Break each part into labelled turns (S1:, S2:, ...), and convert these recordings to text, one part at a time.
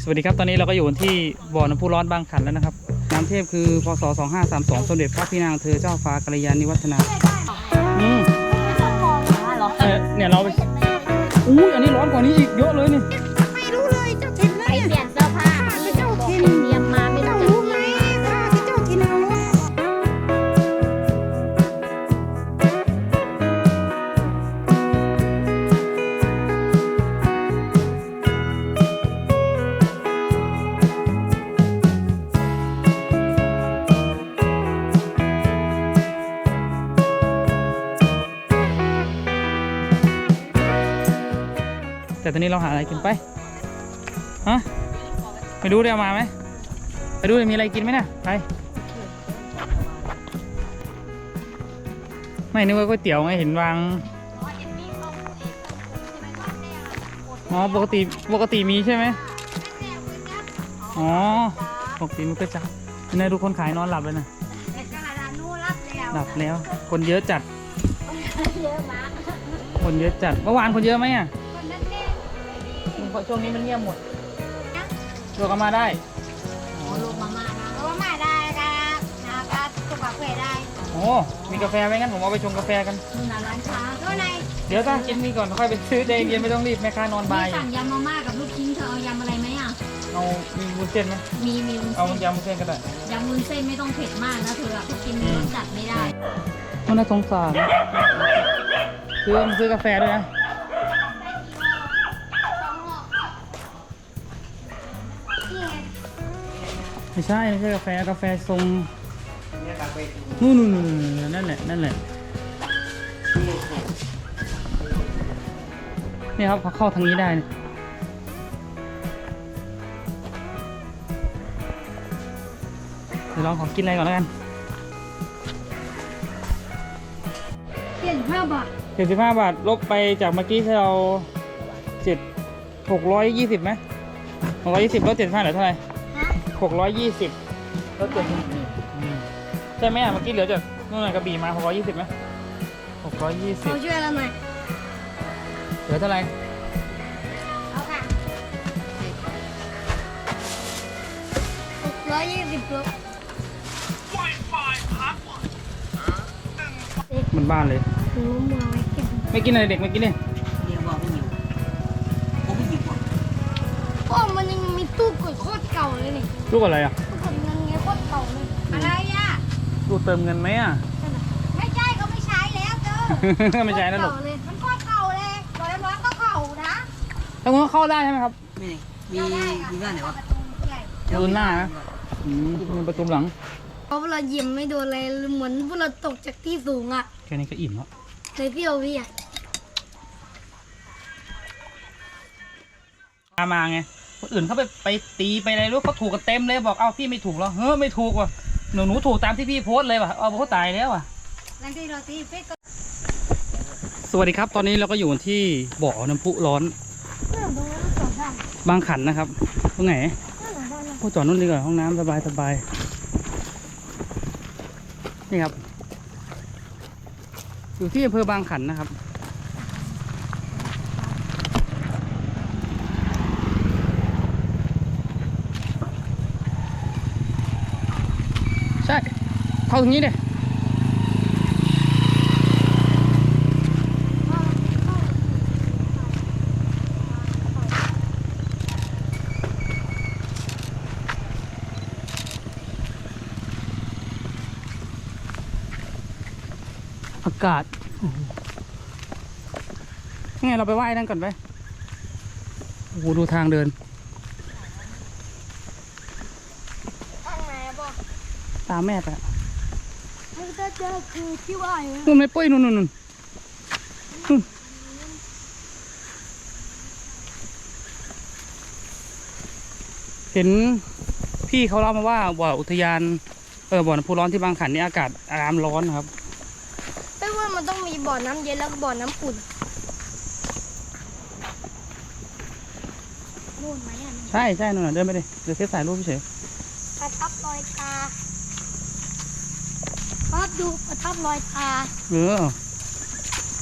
S1: วัสดีครับตอนนี้เราก็อยู่ที่บ่อน้ำพุร้อนบางขันแล้วนะครับน้ำเทพคือพศ2532สมเด็จพระพี่นางเธอเจ้าฟ้ากัลยาณิวัฒนาเนี่ยเราไปอุ้ยอันนี้ร้อนกว่านี้อีกเยอะเลยนี่
S2: ไม่รู้เลยเจ้าถิ่นนะเนี่ย
S3: เปลี่ยนเสื้อผ้าที่เจ้าถิ่นเตรียมมาไม่ต้อง
S2: รู้ไหมข้าที่เจ้าถิ่นเอา
S1: แต่ตอนนี้เราหาอะไรกินไปฮะไปดูได้เอามาไหมไปดูมีอะไรกินไหมเนี่ยไปไม่นึกว่าก๋วยเตี๋ยวไงเห็นวางอ๋อปกติมีใช่ไหมอ๋อปกติมันก็จับนี่ดูคนขายนอนหลับเลยนะหลับแล้วคนเยอะจัด
S3: เยอะมาก
S1: คนเยอะจัดเมื่อวานคนเยอะไหมอ่ะช่วงนี้มันเงียบหมดตัวก็มาได้
S3: ลงมาม่านะ
S2: เพราะว่ามาได้ครับนะครับสุขภาพเวได้
S1: โอ้มีกาแฟไหมงั้นผมเอาไปชงกาแฟกัน
S3: นี่นะร้านค้า
S2: ตัวไหน
S1: เดี๋ยวถ้ากินนี่ก่อนค่อยไปซื้อใจเย็นไม่ต้องรีบแม่ค้านอนบ่าย
S3: นี่สั่งยำมาม่ากับลูกชิ้นเธอเอายำอะไรไหมอ่ะ
S1: เอามีวุ้นเส้นไหม
S3: มีวุ้น
S1: เอา
S3: เส้น
S1: ยำวุ้นเส้นก็ได้
S3: ยำวุ้นเส้นไม่ต้องเผ็ดมากนะเธออะกินรสจัดไม่ได้
S1: มันน่าสงสารซื้อกาแฟด้วยนะไม่ใช่กาแฟทรงนู่นนั่นแหละนี่ครับเขาเข้าทางนี้ได้เนี่ยเดี๋ยวลองขอกินอะไรก่อนแล้วกัน
S2: 75 บาท
S1: 75 บาทลบไปจากเมื่อกี้ที่เรา620ไหม620ลด75เหลือเท่าไหร่620ลด70ใช่ไหมอ่ะเมื่อกี้เหลือจากนู่นกระบี่มา620ไหม
S2: เขา
S1: 620
S2: ช่วยเราหน่อย
S1: เหลือเท่าไหร่
S2: เอาค่ะ620ลบ
S1: มันบ้านเลย
S2: หูมัวไว้เก็บ
S1: ไม่กินอะไรเด็กไม่กินเลย
S2: พ่อมันยังมีตู้กดโคตรเก่าเลยนี่
S1: ลูกอะไรอ่ะ
S2: ตู้กดเงินไงโคตรเก่าเลยอะไรอ่ะ
S1: ลูกเติมเงินไหมอ่ะ
S2: ไม่ใช่เขาไม่ใช้แล้วเจ้อ
S1: ไม่ใช่นะลูก
S2: เก่าเลยมันโคตรเก่าเลยร้อยก็เก่านะ
S1: ถ้าคุณเข้าได้ใช่ไหมครับ
S4: มีบ้านไหนวะ
S1: ประตูหน้านะมีประตูหลัง
S2: เพราะเรายิ้มไม่โดนอะไรเหมือนพวกเราตกจากที่สูงอ่ะ
S1: แค่นี้ก็อิ่มแล้ว
S2: เลยพี่โอวี่อ่ะ
S1: มาไงคนอื่นเขาไปตีไปอะไรรู้เขาถูกกันเต็มเลยบอกเอ้าพี่ไม่ถูกเหรอเฮ้ยไม่ถูกว่ะหนูถูกตามที่พี่โพสต์เลยว่ะเอาเขาตายแล้วว่ะ
S2: หลังที่เราตีเฟซก็
S1: สวัสดีครับตอนนี้เราก็อยู่ที่บ่อน้ำพุร้อนบางขันนะครับตรงไหนโอ้จอดนู่นดีกว่าห้องน้ำสบายนี่ครับอยู่ที่อำเภอบางขันนะครับใช่เข้าตรงนี้เลยอากาศนี่ไงเราไปไหว้นั่นก่อนไปโอ้โหดูทางเดิน
S2: ข้างไหนบอก
S1: ตามแม่ไป
S2: มันก็เจอคือที่ว่าอยู่
S1: นู่นไม่ปุ้ยนู่นเห็นพี่เขาเล่ามาว่าบ่ออุทยานบ่อน้ำพุร้อนที่บางขันนี่อากาศน้ำร้อนครับ
S2: ไม่ว่ามันต้องมีบ่อน้ำเย็นแล้วก็บ่อน้ำอุ่นนู่นไหมอ่ะ
S1: ใช่นู่นน่ะเดินไปดิเดี๋ยวเซฟถ่ายรูปเฉย
S2: ประทับรอยตาครับดูประทับรอยตา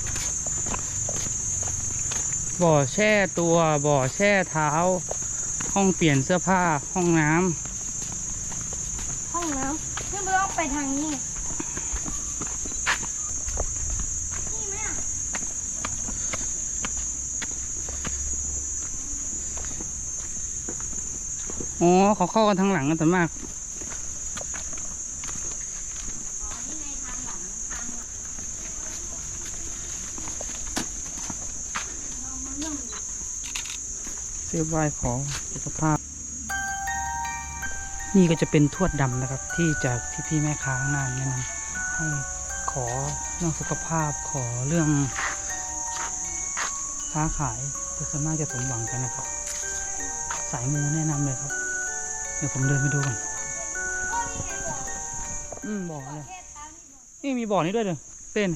S1: บ่อแช่ตัวบ่อแช่เท้า หห้องเปลี่ยนเสื้อผ้าห้องน้ำ
S2: ห้องน้ำนี่มันต้องไปทางนี้นี่ไหมอ่ะ
S1: อ๋อเขาเข้ากันทางหลังกันแต่มาก เสื้อไหว้ขอสุขภาพ นี่ก็จะเป็นทวดดำนะครับ ที่จากพี่แม่ค้างานแนะนำให้ขอเรื่องสุขภาพขอเรื่องค้าขายจะส่วนมากจะสมหวังกันนะครับ สายมูแนะนำเลยครับ เดี๋ยวผมเดินไปดูก่อนบ่อเลยนี่มีบ่อนี้ด้วยเลยเต้น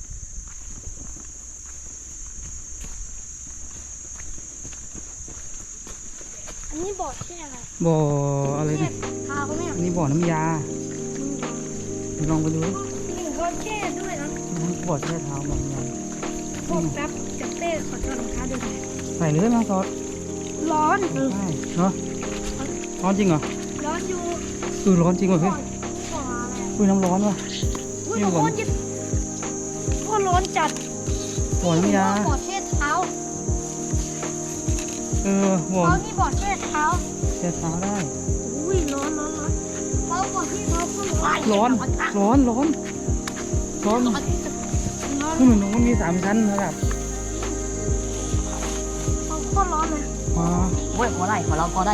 S2: อันนี้บ่อแช่อะไร
S1: บ่ออะไร
S2: แช่
S1: เนี่ย
S2: เท้าเนี่ย
S1: อันนี้บ่อน้ำยาลองไปดูดิ
S2: นี่เขาแช่ด้วยนะ
S1: บ่อแช่เท้าบ่อน้ำยา
S2: พวกแป๊บกับเต้ขอถอดรองเท้าด้วย
S1: ใส่เลยมาซอส
S2: ร้อน
S1: ใช่เนาะร้อนจริงเหรอ
S2: ร้อนอยู่
S1: ร้อนจริงเหรอพี่
S2: บ่ออะไร
S1: อุ้ยน้ำร้อนว่ะ
S2: อุ้ย
S1: นี่
S2: โค
S1: ก่อน
S2: ตรเย็นโคตรร้อนจัด
S1: บ่อน้ำยา
S2: บ่อแช่เท้า
S1: บ่อ
S2: เขานี่บ่อแช่เท้า
S1: แช่เท้าได้
S2: อุ้ยร้อนเราบ่อที่เขาก็ร้อน
S1: ร้อนร้อนร้อนร้อน
S2: ร้อน
S1: คือเหมือนมันมี3 ชั้นนะครับ
S2: เขาโคตรร้อนเลย
S1: อ๋อ
S4: โอ้ยพอได้พอเราพอได้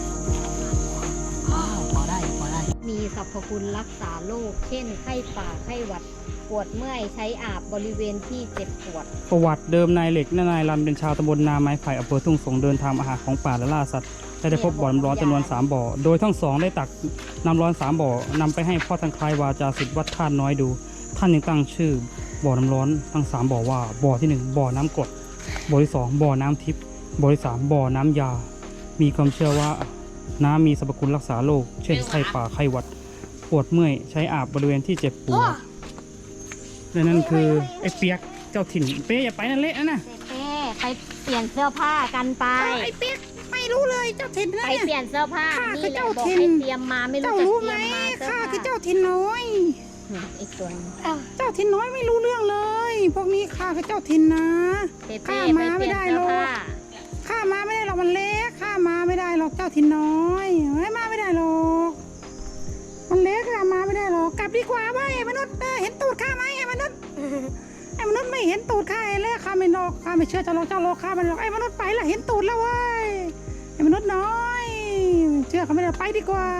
S4: พอได้พอได้
S3: มีสรรพคุณรักษาโรคเช่นไข้ป่าไข้หวัดปวดเมื่อยใช้อาบบริเวณที่เจ็บปวด
S1: ประวัติเดิมนายเหล็กและนายรันเป็นชาวตำบลนาไม้ไผ่อำเภอทุ่งสงเดินทางมาหาของป่าและล่าสัตว์และได้พบบ่อน้ำร้อนจำนวน3 บ่อโดยทั้งสองได้ตักน้ำร้อน3 บ่อนำไปให้พ่อทางคลายวาจาศิษย์วัดท่านน้อยดู ท่านยังตั้งชื่อบ่อน้ำร้อนทั้ง3 บ่อว่าบ่อที่1บ่อน้ำกรดบ่อที่2บ่อน้ำทิพย์บ่อที่3บ่อน้ำยา มีความเชื่อว่าน้ำมีสรรพคุณรักษาโรคเช่นไข้ป่าไข้หวัดปวดเมื่อยใช้อาบบริเวณที่เจ็บปวดและนั่นคือไอ้เปียกเจ้าถิ่นเป๊ะอย่าไปนั่นเละนะ
S3: เป้ไปเปลี่ยนเสื้อผ้ากันไป
S2: ไอ้เปี๊ยกไม่รู้เลยเจ้าถิ่นนะ
S3: ไป
S2: เนี่ย
S3: เปลี่ยนเสื้อผ้า
S2: ข้า
S3: นี่
S2: คือ
S3: แหละ
S2: เจ้า
S3: บอก
S2: ถิ่น
S3: ให้เตรียมมาไม่รู้
S2: เจ้า
S3: จะ
S2: รู้
S3: เต
S2: ไหม
S3: รียมมาเสื้อ
S2: ข้า
S3: ผ้า
S2: คือเจ้าถิ่นน้อย
S3: ไอ้ส่วน
S2: เจ้าถิ่นน้อยไม่รู้เรื่องเลย พวกนี้ข้าคือเจ้าถิ่นนะ
S3: เป้
S2: ข้า
S3: ไป
S2: มา
S3: เป
S2: ไม่
S3: ลี่ยน
S2: ได้
S3: เสื้
S2: ห
S3: อ
S2: รอก
S3: ผ้า
S2: ข้ามาไม่ได้หรอกมันเล็กข้ามาไม่ได้หรอกเจ้าถิ่นน้อยไม่มาไม่ได้หรอกมันเล็กข้ามาไม่ได้หรอกกลับดีกว่าเว้ยไอ้มนุษย์เห็นตูดข้าไหมไอ้มนุษย์ไอ้มนุษย์ไม่เห็นตูดข้าไอ้เล็กข้าไม่หลอกข้าไม่เชื่อเจ้าหรอกข้าไม่หลอกไอ้มนุษย์ไปละเห็นตูดแล้วเว้ยไอ้มนุษย์น้อยเชื่อเขาไม่ได้ไปดีกว่า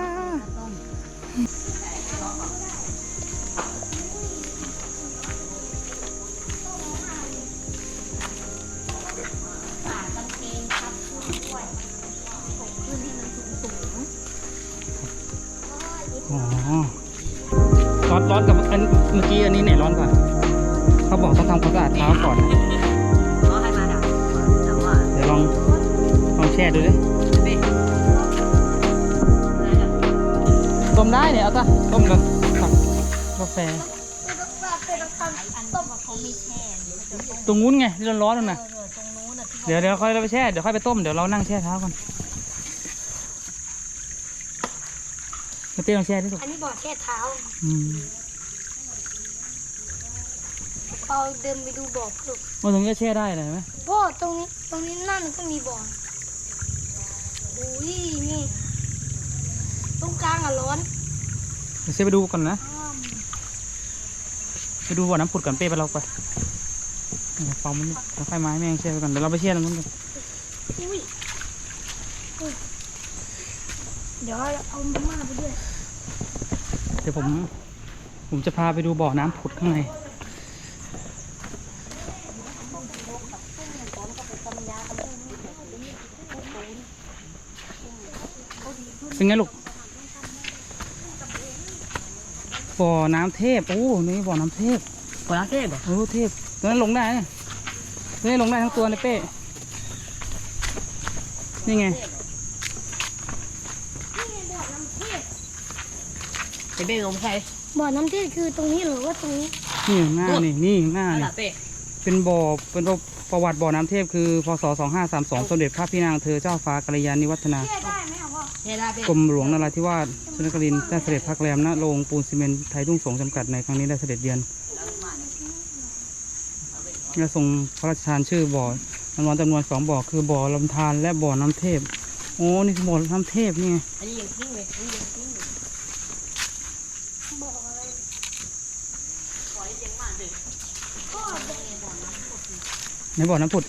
S1: อ๋อร้อนกับอันเมื่อกี้อันนี้ไหนร้อนกว่าเขาบอกต้องทำความสะอาดเท้าก่อนนะ
S4: เขาให้มาแต่ว่า
S1: เดี๋ยวลองแช่ดูดิต้มได้เนี่ยเอาตะต้มกับกาแฟตรงนู้นไงที่ร้อนๆนั่นน่ะเดี๋ยวค่อยเราไปแช่เดี๋ยวค่อยไปต้มเดี๋ยวเรานั่งแช่เท้าก่อนมาเต้ลองแช่ดิลูก
S2: อันนี้บ่อแช่เท้า
S1: อืม
S2: เราเดินไปดูบ่อเพิ่ม
S1: ว่าตรงนี้ก็แช่ได้เลยเห็นไหม
S2: บ่อตรงนี้นั่นก็มีบ่ออุ้ยนี่ตรงกลางอ่ะร้อน
S1: เดี๋ยวเซไปดูก่อนนะไปดูบ่อน้ำผุดก่อนเป้ไปเราไปเดี๋ยวเป่ามันเราค่อยไม้แม่งแช่ไปก่อนเดี๋ยวเราไปแช่ตรงนู้นกัน
S2: อุ้ยเดี๋ยวเอามาม่าไปด้วย
S1: เดี๋ยวผมจะพาไปดูบ่อน้ำผุดข้างในเป็นไงลูกบ่อน้ำเทพโอ้นี่บ่อน้ำเทพ
S4: พอแล้วเทพเหรอ
S1: โอ้เทพตัวนั้นลงได้เนี่ยตัวนี้ลงได้ทั้งตัวเลยเป้นี่ไง
S4: ไอ้เบ้ลงใช่
S2: บ่อน้ำเทศคือตรงนี้หรือว่าตรงนี้
S1: นี่ข้างหน้านี่ข้างหน้า
S4: นั่น
S1: นี่
S4: แหละเป้
S1: เป็นบ่อประวัติบ่อน้ำเทพคือพศ2532สมเด็จพระพี่นางเธอเจ้าฟ้ากัลยาณิวัฒนา
S4: เนี่ยได้เป็น
S1: กรมหลวงนราธิวาสชนครินทร์ได้เสด็จพักแรมณโรงปูนซีเมนต์ไทยทุ่งสงจำกัดในครั้งนี้ได้เสด็จเยือนและทรงพระราชทานชื่อบ่อน้ำร้อนจำนวน2 บ่อคือบ่อลำธารและบ่อน้ำเทพโอ้นี่คือบ่อน้ำเทพนี่ไง
S4: อันนี้ยังทิ้งเลยอันนี้ยังทิ้งเลยปล่อยเสียงมากเลย
S1: ในบ่อน้ำผุด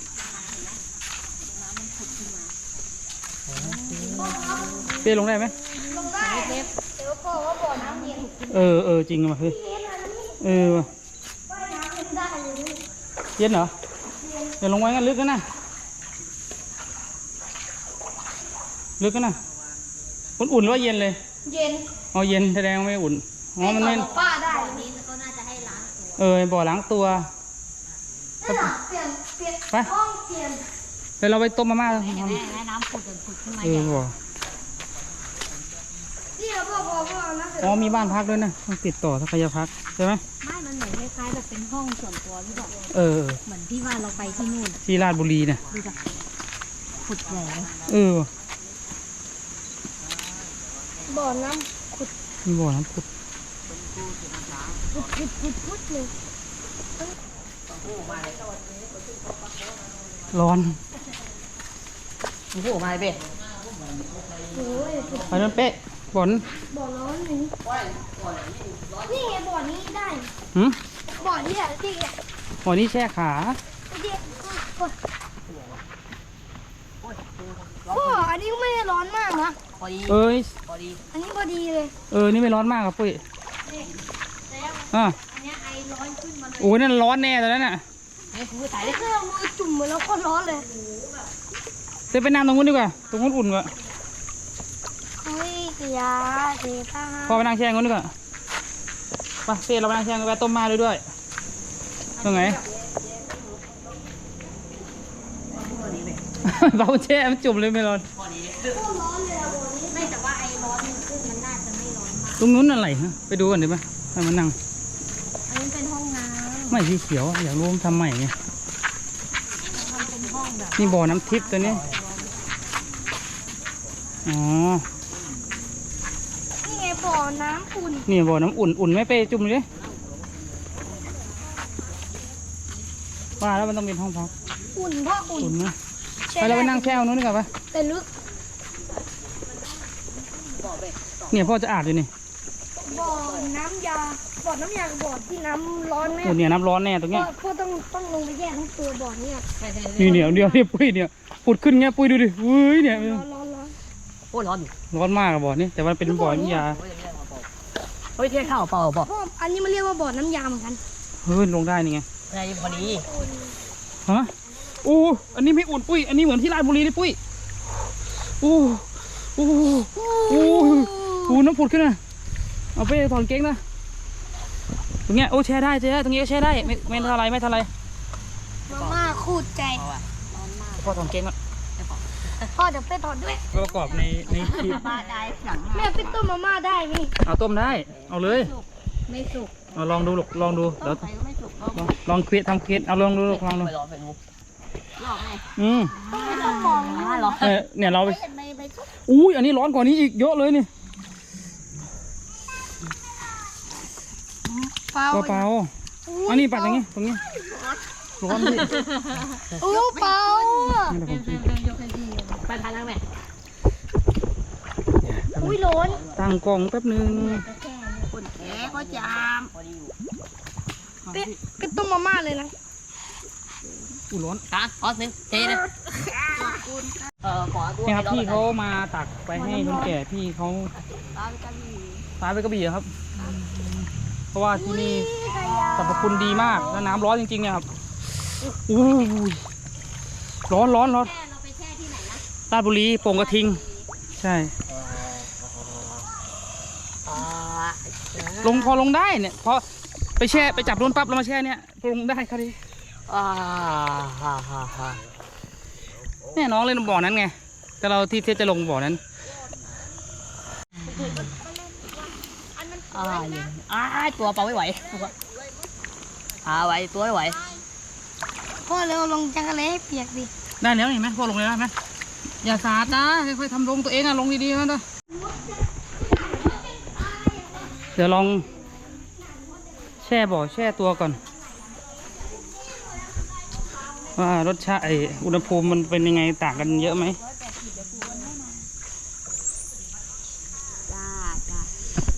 S1: เป้ลงได้ไหม
S3: เล็บเดี๋ยวพ่อว่าบ่อน้ำเย็น
S1: เออจริงว่ะเฮ้ยว่ะ
S3: ว่ายน้ำเป็นได้เลย
S1: เย็นเหรอเดี๋ยวลงไว้กันลึกกันนะลึกกันนะอุ่นหรือว่าเย็นเลย
S3: เย็น
S1: อ๋อเย็นแสดงว่าไม่อุ่นอ๋อมันไม่
S3: ป้าได้
S4: นี้ก็น่าจะให้ล้าง
S1: บ่อล้างตัว
S3: นั่นน่ะเปลี่ยน
S1: ไป
S3: ห้องเปลี่ยน
S1: เดี๋ยวเราไปต้มมาม่า
S4: แม่น้ำผุดขึ้นมา
S1: บ่อ
S3: นี่เราพ่อเอาน้ำเสร็จ
S1: อ๋อมีบ้านพักด้วยนะต้องติดต่อทักยพักใช่ไหม
S3: ไม่มันเหมือนคล้ายๆแบบเป็นห้องส่วนตัวหรือเปล่า เหมือนที่ว่าเราไปที่นู่น
S1: ที่ราชบุรีเนี่ย
S3: ดูจ้ะผุดใหญ่เลย
S1: ว่ะ
S3: บ่อน้
S1: มีบ่อน้ำผุด
S3: ำพุดเลย
S1: ร้อน
S4: มึงพูดออกมาเลยเบ้
S3: โอ้ย
S1: ไปนั่นเป๊ะบ่อน
S3: บ่อร้อนนี่นี่ไงบ่อนี้ได้
S1: หืม
S3: บ่อนี้แหละที่เนี่ย
S1: บ่อนี้แช่ขา
S3: พ่ออันนี้ก็ไม่ได้ร้อนมากนะ
S4: พอดี
S1: เอ้ย
S4: พอดี
S3: อันนี้พอดีเลย
S1: นี่ไม่ร้อนมากครับปุ้ยอ่ะ
S3: อันนี้ไอร้อนขึ้นมาเลย
S1: โอ้ยนั่นร้อนแน่ตอนนั้นน่ะ
S4: เฮ้ยกูถ่ายดิ
S3: แค่เอามือจุ่มแล้วก็ร้อนเลย
S1: เดี๋ยวไปนั่งตรงนู้นดีกว่าตรงนู้นอุ่นกว่า
S3: เฮ้ยเสียเสียตา
S1: พอไปนั่งแช่งนู้นดีกว่าไปเต้เราไปนั่งแช่งกันไปต้มมาด้วยตรงไหน เราแช่มันจุ่มเลยไม่ร้อน
S4: พอดี
S3: ร้อนเลยอะบ่อนี้ไม่แต่ว่าไอร้อนมันขึ้นมันน่าจะไม่ร้อนมาก
S1: ตรงนู้นอะไรฮะไปดูกันดีไหมให้มันนั่ง
S3: อันนี้เป็นห้องน้
S1: ไม่สีเขียวอยากรู้มันทำใหม่ไง
S3: ำมันเป็นห้องแบบ
S1: นี่บ่อน้ำทิพย์ตัวนี้อ๋อ
S3: นี่ไงบ่อน้ำอุ่น
S1: นี่บ่อน้ำอุ่นไหม่ไปจุ่มเลยว่าแล้วมันต้องเป็นห้องพัก
S3: อุ่นเพราะอุ่น
S1: อุ่นนะไปเราไปนั่งแช่ตรงนู้นดีกว่าปะ
S3: แต่ลึก
S1: เนี่ยพ่อจะอาบอยู่นี่
S3: บ่อน้ำยาบ่อน้ำยากับบ่อที่น้ำร้อนไหม
S1: โอ้เนี่ยน้ำร้อนแน่ตรงเนี้ย
S3: พ่อต้องลงไปแยกทั้งตัวบ่อเนี่ย
S1: นี่เดี๋ยวนี่ปุ้ยเนี่ยปุดขึ้นเงี้ยปุ้ยดูดิเฮ้ยเนี่ย
S3: ร้อน
S4: โอ้ร้อนอยู่
S1: ร้อนมากอะบ่อนี่แต่มันเป็นบ่อน้ำยา
S4: เฮ้ยเที่ยงข้าวเปล่าป่ะ
S3: พ่ออันนี้มันเรียกว่าบ่อน้ำยาเหมือนกัน
S1: เฮ้ยลงได้นี่ไง
S4: อะไรพอดี
S1: ฮะโอ้อันนี้ไม่อุ่นปุ้ยอันนี้เหมือนที่ราชบุรีเลยปุ้ยโอ้โอ้โอ้น้ำผุดขึ้นนะเอาไปถอนเก๊งนะตรงเนี้ยโอ้แช่ได้ตรงนี้ก็แช่ได้ไม่เท่าไร
S3: มาม่าคูดใจ
S1: พ่อถอนเก๊งอ่ะ
S3: พ่อเดี๋ยวไปถอดด้วย
S1: ประกอบในคลิป
S4: บ้าได้สั่ง
S3: แม่ไปต้มมาม่าได้ไหม
S1: เอาต้มได้เอาเลย
S3: ไม่สุก
S1: เอาลองดูลูกลองดูเดี๋ยว
S4: ใครก็ไม่สุก
S1: ลองเควสทำเควสเอาลองดูลูกลองดู
S4: ไปรอเป็นมุกรอบไง
S3: ไม่ต้องมอง
S4: รอ
S1: เนี่ยเราไป
S3: ไม่สุก
S1: อุ้ยอันนี้ร้อนกว่านี้อีกเยอะเลยนี่
S3: เปล่า
S1: เปล่าอันนี้ปัดอย่างงี้ตรงนี้ร้อนดิ
S3: โอ้เปล่า
S1: นี่แหละผมกิน
S4: ไปทานนั่งแม่
S3: อุ้ยร้อน
S1: ตั้งกล้องแป๊บนึง
S4: คนแก่ก็จาม
S3: ไปต้มมาม่าเลยนะ
S1: อุ้ยร้อน
S4: ตาขอหนึ่งเทนะขอตัว
S1: นี่ครับพี่เขามาตักไปให้คนแก่พี่เขาตายไปกระบี่ครับ เพราะว่าที่นี่สรรพคุณดีมากแล้วน้ำร้อนจริงๆเนี่ยครับอู้ยร้อน
S3: เราไปแช่ที่ไหนนะ
S1: ราชบุรีโป่งกระทิง ใช่ พอลงได้เนี่ยพอไปแช่ไปจับโดนปั๊บแล้วมาแช่เนี่ยลงได้ครับดิเนี่ยน้องเล่นบ่อนั้นไงแต่เราที่จะลงบ่อนั้น
S4: ตัวเปล่าไม่ไหวไหวตัวไม่ไหว
S5: พ่อเร็วลงจักรเลยให้เปียกดิ
S1: ได้แล้วเห็นไหมพ่อลงเลยได้ไหมอย่าสาดนะค่อยๆทำลงตัวเองอะลงดีๆนะเด้อเดี๋ยวลองแช่บ่อแช่ตัวก่อนว่ารสชาติอุณหภูมิมันเป็นยังไงต่างกันเยอะไหม
S3: จ้าจ้า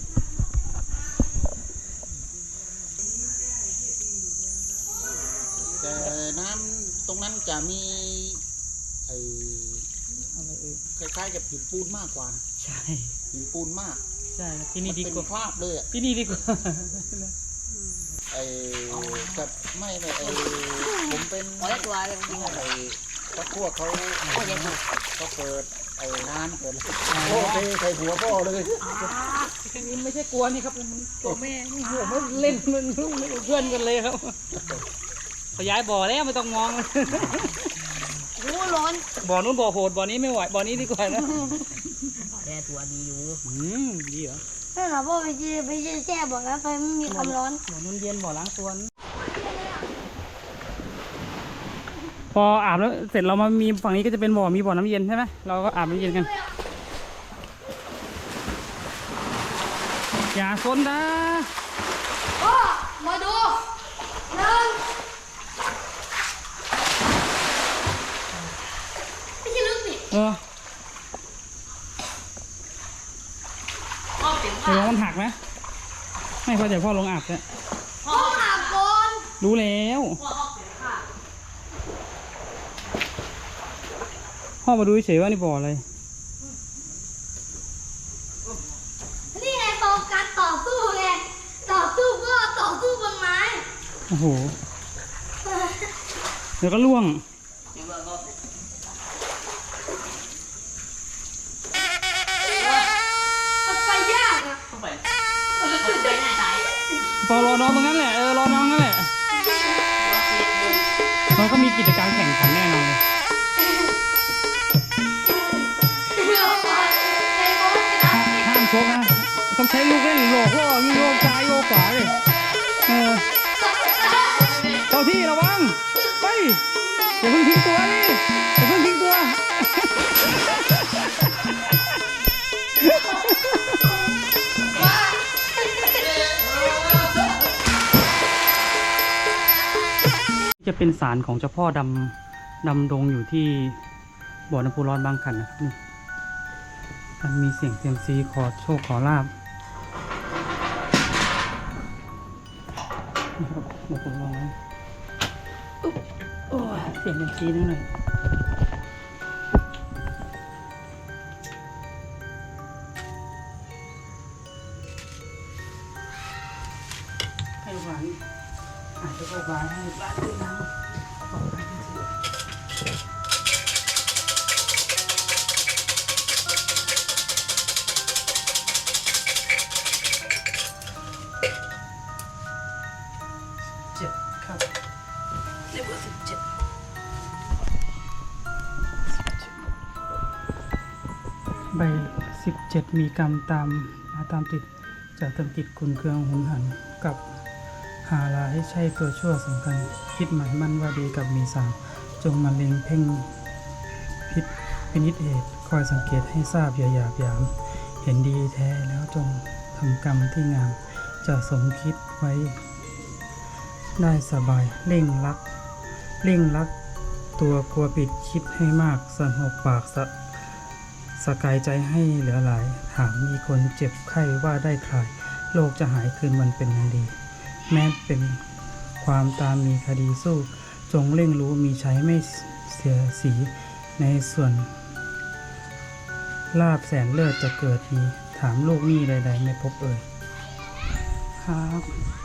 S6: แต่น้ำตรงนั้นจะมีไอ้
S1: อะไร
S6: คล้ายๆกับหินปูนมากกว่านะ
S1: ใช่
S6: หินปูนมาก
S1: ใช่ที่
S6: มั
S1: นี่
S6: น
S1: ดี
S6: เป็น
S1: กว่า
S6: คราบเลยอ่ะ
S1: ที่นี่ดีกว่า
S6: ไอ้กับไม่เลยไอ้ผมเป็น
S4: ขอได้ตัวเลยจริง
S6: ไอ้พวกเขาเขาเปิดไอ้น้ำเปิดโอ้เทใส่หัวพ่อเลย
S1: นี่ไม่ใช่กลัวนี่ครับมันตัวแม่นี่หัวมันเล่นมันเพื่อนกันเลยครับขยายบ่อแล้วไม่ต้องมองเลย
S5: โอ้ร้อน
S1: บ่อนู้นบ่อโหดบ่อนี้ไม่ไหวบ่อนี้ดีกว่านะ
S4: แค่ตัวดีอยู่
S1: ดีเหรอ
S5: นั่นเหรอพ่อไปแช่บอกแล้วไฟมันมีความร้อน
S1: บ่อนู้นเย็นบ่อล้างตัวนะพออาบแล้วเสร็จเรามามีฝั่งนี้ก็จะเป็นบ่อมีบ่อน้ำเย็นใช่ไหมเราก็อาบน้ำเย็นกันอย่าซนนะ
S5: พ่อมาดูหนึ่งไม่ใช่ลึกนี่
S1: เออเดี๋ยวมันหักนะไม่พอใจพ่อลงอาบเนี่ย
S5: พ่ออาบก่อน
S1: รู้แล้วพ่อมาดูเฉยๆว่านี่บ่ออะไร
S5: นี่ไงโฟกัสต่อสู้ไงต่อสู้ก็ต่อสู้บนไม้
S1: โอ้โหเดี๋ยวก็ล่วง
S5: มันไปยากอะ
S1: พอรอน้องตรงนั้นแหละรอน้องนั่นแหละเราก็มีกิจกรรมแข่งขันแน่นอนเลย
S5: เอาไปไอ้บอสจะทำ
S1: ห้ามชกนะต้องใช้ลูกเล่นโยกล่อมีโยกซ้ายโยกขวาเลยเจ้าที่ระวังไปอย่าเพิ่งทิ้งตัวดิอย่าเพิ่งทิ้งตัวจะเป็นศาลของเจ้าพ่อดำดงอยู่ที่บ่อน้ำพุร้อนบางขันนะครับนี่มันมีเสียงเซียมซีขอโชคขอลาบนี่ครับเดี๋ยวผมลองนะโอ้ยเสียงเซียมซีนิดหน่อยให้หวานอาจจะหวานให้บ้านด้วยนะครับเลเวล17ใบ17มีกรรมตามมาตามติดจะทำกิจคุณเครื่องหุนหันกับหาลายใช่ตัวชั่วสำคัญคิดหมายมั่นว่าดีกับมีสามจงมาเล็งเพ่งพิษพินิจเหตุคอยสังเกตให้ทราบอย่าหยาบหยามเห็นดีแท้แล้วจงทำกรรมที่งามจะสมคิดไว้ได้สบายเร่งรักตัวกลัวปิดคิดให้มากสงบปากสกายใจให้เหลือหลายถามมีคนเจ็บไข้ว่าได้คลายโลกจะหายคืนมันเป็นอย่างดี แม้เป็นความตามมีคดีสู้จงเร่งรู้มีใช้ไม่เสียสีในส่วนลาบแสนเลิศจะเกิดมีถามลูกหนี้ใดๆไม่พบเอ่ยครับ